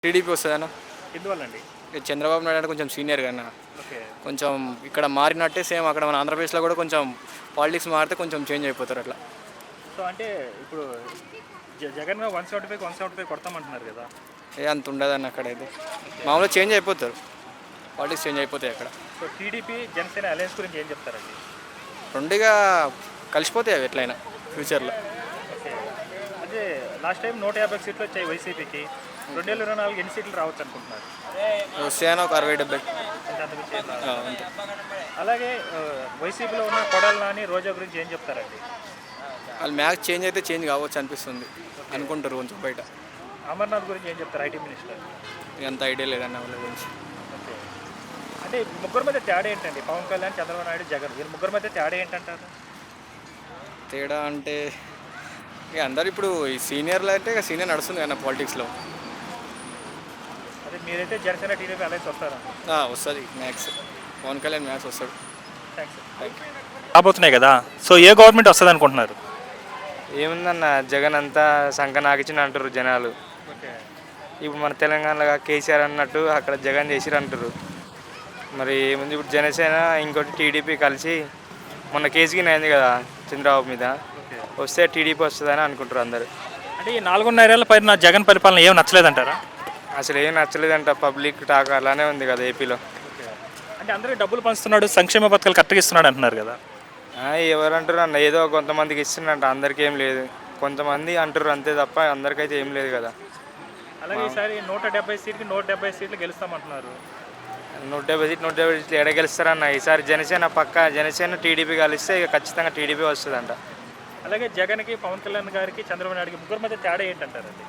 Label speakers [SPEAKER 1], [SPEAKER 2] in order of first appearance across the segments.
[SPEAKER 1] TDP వస్తుందన్న.
[SPEAKER 2] ఎందువల్లండి?
[SPEAKER 1] చంద్రబాబు నాయుడు అంటే కొంచెం సీనియర్ కన్నా,
[SPEAKER 2] ఓకే.
[SPEAKER 1] కొంచెం ఇక్కడ మారినట్టే సేమ్ అక్కడ మన ఆంధ్రప్రదేశ్లో కూడా కొంచెం పాలిటిక్స్ మారితే కొంచెం చేంజ్ అయిపోతారు అట్లా.
[SPEAKER 2] సో అంటే ఇప్పుడు జగన్ 175 175 కొడతామంటున్నారు కదా.
[SPEAKER 1] అంత ఉండదన్న అక్కడైతే. మామూలుగా చేంజ్ అయిపోతారు, పాలిటిక్స్ చేంజ్ అయిపోతాయి అక్కడ.
[SPEAKER 2] సో టీడీపీ జనసేన అలయన్స్ గురించి ఏం చెప్తారండి?
[SPEAKER 1] రెండుగా కలిసిపోతాయి అవి ఎట్లయినా ఫ్యూచర్లో.
[SPEAKER 2] ఓకే. అదే లాస్ట్ టైం 150 సీట్లు వచ్చాయి వైసీపీకి. 2024 ఎన్ని సీట్లు రావచ్చు అనుకుంటున్నారు?
[SPEAKER 1] వస్తాయని ఒక 60-70.
[SPEAKER 2] అంటే అంతకుమించి ఏం రాదు.
[SPEAKER 1] అంతే.
[SPEAKER 2] అలాగే వైసీపీలో ఉన్న కొడాలి నాని, రోజా గురించి ఏం చెప్తారండి?
[SPEAKER 1] వాళ్ళు మ్యాచ్ చేంజ్ అయితే చేంజ్ కావచ్చు అనిపిస్తుంది అనుకుంటారు కొంచెం బయట.
[SPEAKER 2] అమర్నాథ్ గురించి ఏం చెప్తారు, ఐటీ మినిస్టర్?
[SPEAKER 1] అంత ఐడియా లేదన్న వాళ్ళ గురించి.
[SPEAKER 2] ఓకే. అంటే ముగ్గురు మధ్య తేడా ఏంటండి? పవన్ కళ్యాణ్, చంద్రబాబు నాయుడు, జగన్, వీళ్ళు ముగ్గురు మధ్య తేడా ఏంటంటారు?
[SPEAKER 1] తేడా అంటే ఇక అందరు ఇప్పుడు ఈ సీనియర్లు అంటే ఇక సీనియర్ నడుస్తుంది కదా పాలిటిక్స్లో.
[SPEAKER 2] అదే మీరైతే జనసేన టీడీపీ అలయన్స్ వస్తారా?
[SPEAKER 1] వస్తుంది మ్యాక్స్. పవన్ కళ్యాణ్ మ్యాక్స్ వస్తాడు.
[SPEAKER 2] థ్యాంక్స్. రాబోతున్నాయి కదా, సో ఏ గవర్నమెంట్ వస్తుంది అనుకుంటున్నారు?
[SPEAKER 3] ఏముందన్న, జగన్ అంతా సంఖ నాకిచ్చిన అంటారు జనాలు.
[SPEAKER 2] ఓకే.
[SPEAKER 3] ఇప్పుడు మన తెలంగాణలో కేసీఆర్ అన్నట్టు అక్కడ జగన్ చేసిరు అంటారు. మరి ఏముంది, ఇప్పుడు జనసేన ఇంకోటి టీడీపీ కలిసి మొన్న కేసుకి అయింది కదా చంద్రబాబు మీద, వస్తే టీడీపీ వస్తుందని అనుకుంటారు అందరు.
[SPEAKER 2] అంటే ఈ 4.5 ఏళ్ల పైన జగన్ పరిపాలన ఏం నచ్చలేదంటారా?
[SPEAKER 3] అసలు ఏం నచ్చలేదంట, పబ్లిక్ టాక్ అలానే ఉంది కదా ఏపీలో.
[SPEAKER 2] అంటే అందరికీ డబ్బులు పంచుతున్నాడు, సంక్షేమ పథకాలు కరెక్ట్గా ఇస్తున్నాడు అంటున్నారు కదా.
[SPEAKER 3] ఎవరు అంటారు అన్న, ఏదో కొంతమందికి ఇస్తున్నట్ట, అందరికీ ఏం లేదు. కొంతమంది అంటారు అంతే తప్ప అందరికైతే ఏం లేదు కదా.
[SPEAKER 2] అలాగే ఈసారి 170 సీట్కి 170 సీట్లు గెలుస్తామంటున్నారు.
[SPEAKER 3] 170 సీట్లు ఎడ గెలుస్తారన్న. ఈసారి జనసేన జనసేన టీడీపీ కలిస్తే ఇక ఖచ్చితంగా టీడీపీ వస్తుందంట.
[SPEAKER 2] అలాగే జగన్కి, పవన్ కళ్యాణ్ గారికి, చంద్రబాబు నాయుడుకి ముగ్గురు మధ్య తేడా ఏంటంటారండి?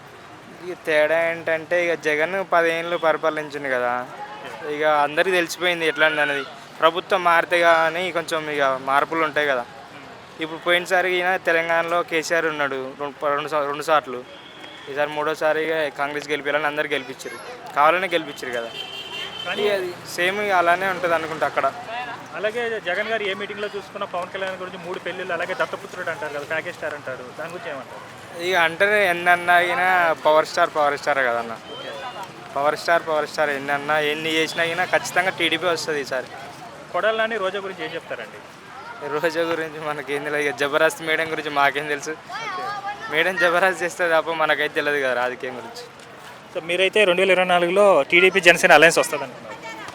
[SPEAKER 3] ఇక తేడా ఏంటంటే, ఇక జగన్ 10 ఏళ్ళు పరిపాలించింది కదా, ఇక అందరికీ తెలిసిపోయింది ఎట్లా అనేది. ప్రభుత్వం మారితే కానీ కొంచెం ఇక మార్పులు ఉంటాయి కదా. ఇప్పుడు పోయినసారి తెలంగాణలో కేసీఆర్ ఉన్నాడు రెండు సార్లు, ఈసారి మూడోసారిగా కాంగ్రెస్ గెలిపించాలని అందరు గెలిపించారు, కావాలనే గెలిపించారు కదా. కానీ అది సేమ్ అలానే ఉంటుంది అనుకుంటా అక్కడ.
[SPEAKER 2] అలాగే జగన్ గారు ఏ మీటింగ్లో చూసుకున్న పవన్ కళ్యాణ్ గురించి 3 పెళ్ళిళ్ళు, అలాగే దత్తపుత్రుడు అంటారు కదా, ప్యాకేజ్ స్టార్ అంటారు, దాని గురించి ఏమంటారు?
[SPEAKER 3] ఇక అంటే ఎన్నన్నా అయినా పవర్ స్టార్ కదన్న. పవర్ స్టార్ ఎన్ని చేసినా అయినా ఖచ్చితంగా టీడీపీ వస్తుంది ఈసారి.
[SPEAKER 2] కొడాలి నాని, రోజా గురించి ఏం చెప్తారండి?
[SPEAKER 3] రోజా గురించి మనకేం తెలియదు. ఇక జబర్దస్త్ మేడం గురించి మాకేం తెలుసు. మేడం జబర్దస్త్ చేస్తే తప్ప మనకైతే తెలియదు కదా రాజకీయం గురించి.
[SPEAKER 2] సో మీరైతే 2024లో టీడీపీ జనసేన అలయన్స్ వస్తుంది అనుకున్నారు?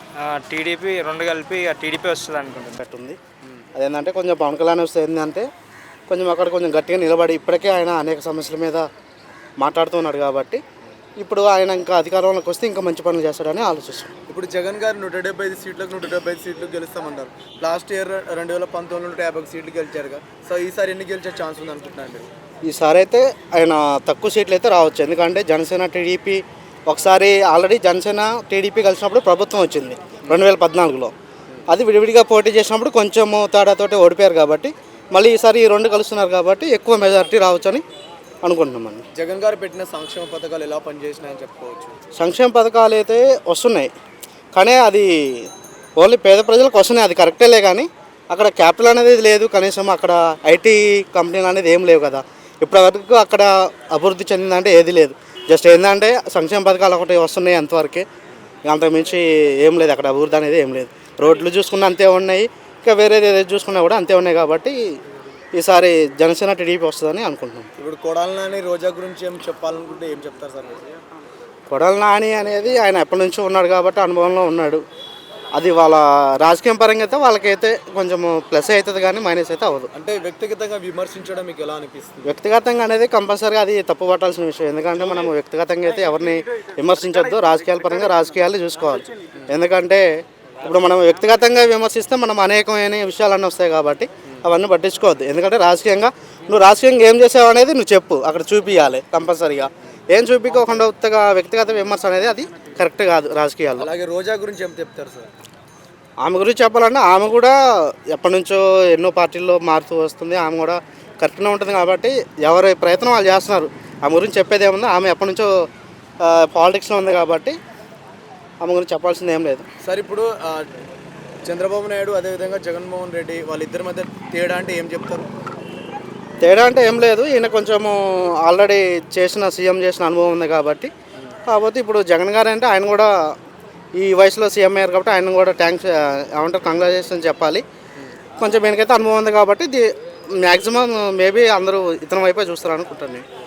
[SPEAKER 3] టీడీపీ రెండు కలిపి టీడీపీ వస్తుంది అనుకుంటుంది.
[SPEAKER 4] అదేంటంటే కొంచెం పవన్ కళ్యాణ్ వస్తే ఏంటంటే కొంచెం అక్కడ కొంచెం గట్టిగా నిలబడి, ఇప్పటికే ఆయన అనేక సమస్యల మీద మాట్లాడుతున్నాడు కాబట్టి ఇప్పుడు ఆయన ఇంకా అధికారంలోకి వస్తే ఇంకా మంచి పనులు చేస్తాడని ఆలోచిస్తున్నాం.
[SPEAKER 5] ఇప్పుడు జగన్ గారు 175 సీట్లకు 175 సీట్లు గెలుస్తామంటారు. లాస్ట్ ఇయర్ 2019 150 సీట్లు గెలిచారుగా. సో ఈసారి ఎన్ని గెలిచే ఛాన్స్ ఉంది అనుకుంటున్నాను మీరు?
[SPEAKER 4] ఈసారి అయితే ఆయన తక్కువ సీట్లు అయితే రావచ్చు, ఎందుకంటే జనసేన టీడీపీ ఒకసారి ఆల్రెడీ జనసేన టీడీపీ కలిసినప్పుడు ప్రభుత్వం వచ్చింది 2014లో. అది విడివిడిగా పోటీ చేసినప్పుడు కొంచెం తేడాతోటి ఓడిపోయారు కాబట్టి మళ్ళీ ఈసారి ఈ రెండు కలుస్తున్నారు కాబట్టి ఎక్కువ మెజారిటీ రావచ్చని అనుకుంటున్నామండి.
[SPEAKER 5] జగన్ గారు పెట్టిన సంక్షేమ పథకాలు ఎలా పనిచేసినాయని చెప్పుకోవచ్చు?
[SPEAKER 4] సంక్షేమ పథకాలు అయితే వస్తున్నాయి, కానీ అది ఓన్లీ పేద ప్రజలకు వస్తున్నాయి, అది కరెక్టేలే. కానీ అక్కడ క్యాపిటల్ అనేది లేదు, కనీసం అక్కడ ఐటీ కంపెనీలు అనేది ఏం లేవు కదా. ఇప్పటివరకు అక్కడ అభివృద్ధి చెందిందంటే ఏది లేదు. జస్ట్ ఏంటంటే సంక్షేమ పథకాలు ఒకటి వస్తున్నాయి అంతవరకే, అంతకుమించి ఏం లేదు అక్కడ. అభివృద్ధి అనేది ఏం లేదు. రోడ్లు చూసుకున్న అంతే ఉన్నాయి, ఇంకా వేరేది ఏదైతే చూసుకున్నా కూడా అంతే ఉన్నాయి. కాబట్టి ఈసారి జనసేన టీడీపీ వస్తుందని అనుకుంటున్నాం.
[SPEAKER 5] ఇప్పుడు కొడాలి నాని, రోజా గురించి ఏం చెప్పాలనుకుంటే ఏం చెప్తారు సార్?
[SPEAKER 4] కొడాలి నాని అనేది ఆయన ఎప్పటి నుంచో ఉన్నాడు కాబట్టి అనుభవంలో ఉన్నాడు. అది వాళ్ళ రాజకీయం పరంగా అయితే వాళ్ళకైతే కొంచెం ప్లస్ అవుతుంది కానీ మైనస్ అయితే అవ్వదు.
[SPEAKER 5] అంటే వ్యక్తిగతంగా విమర్శించడం మీకు ఎలా అనిపిస్తుంది?
[SPEAKER 4] వ్యక్తిగతంగా అనేది కంపల్సరీగా అది తప్పు పట్టాల్సిన విషయం, ఎందుకంటే మనం వ్యక్తిగతంగా అయితే ఎవరిని విమర్శించొద్దు. రాజకీయాల పరంగా రాజకీయాలు చూసుకోవాలి. ఎందుకంటే ఇప్పుడు మనం వ్యక్తిగతంగా విమర్శిస్తే మనం అనేకమైన విషయాలన్నీ వస్తాయి కాబట్టి అవన్నీ పట్టించుకోవద్దు. ఎందుకంటే నువ్వు రాజకీయంగా ఏం చేసావు అనేది నువ్వు చెప్పు, అక్కడ చూపించాలి కంపల్సరీగా. ఏం చూపించకుండా ఉత్తగా వ్యక్తిగత విమర్శ అనేది అది కరెక్ట్ కాదు రాజకీయాల్లో.
[SPEAKER 5] అలాగే రోజా గురించి ఏం చెప్తారు సార్?
[SPEAKER 4] ఆమె గురించి చెప్పాలంటే ఆమె కూడా ఎప్పటి నుంచో ఎన్నో పార్టీల్లో మారుతూ వస్తుంది. ఆమె కూడా కరెక్ట్గా ఉంటుంది కాబట్టి ఎవరి ప్రయత్నం వాళ్ళు చేస్తున్నారు. ఆమె గురించి చెప్పేది ఏముందో, ఆమె ఎప్పటి నుంచో పాలిటిక్స్లో ఉంది కాబట్టి ఆమె గురించి చెప్పాల్సింది ఏం లేదు.
[SPEAKER 5] సార్ ఇప్పుడు చంద్రబాబు నాయుడు అదేవిధంగా జగన్మోహన్ రెడ్డి వాళ్ళిద్దరి మధ్య తేడా అంటే ఏం చెప్తారు?
[SPEAKER 4] తేడా అంటే ఏం లేదు, ఈయన కొంచెము ఆల్రెడీ సీఎం చేసిన అనుభవం ఉంది కాబట్టి కాకపోతే ఇప్పుడు జగన్ గారు అంటే ఆయన కూడా ఈ వయసులో సీఎం అయ్యారు కాబట్టి ఆయన కూడా థ్యాంక్స్ ఏమంటారు కంగ్రాచులేషన్ చెప్పాలి. కొంచెం ఈయనకైతే అనుభవం ఉంది కాబట్టి మ్యాక్సిమం మేబీ అందరూ ఇతని వైపే చూస్తారు అనుకుంటాను నేను.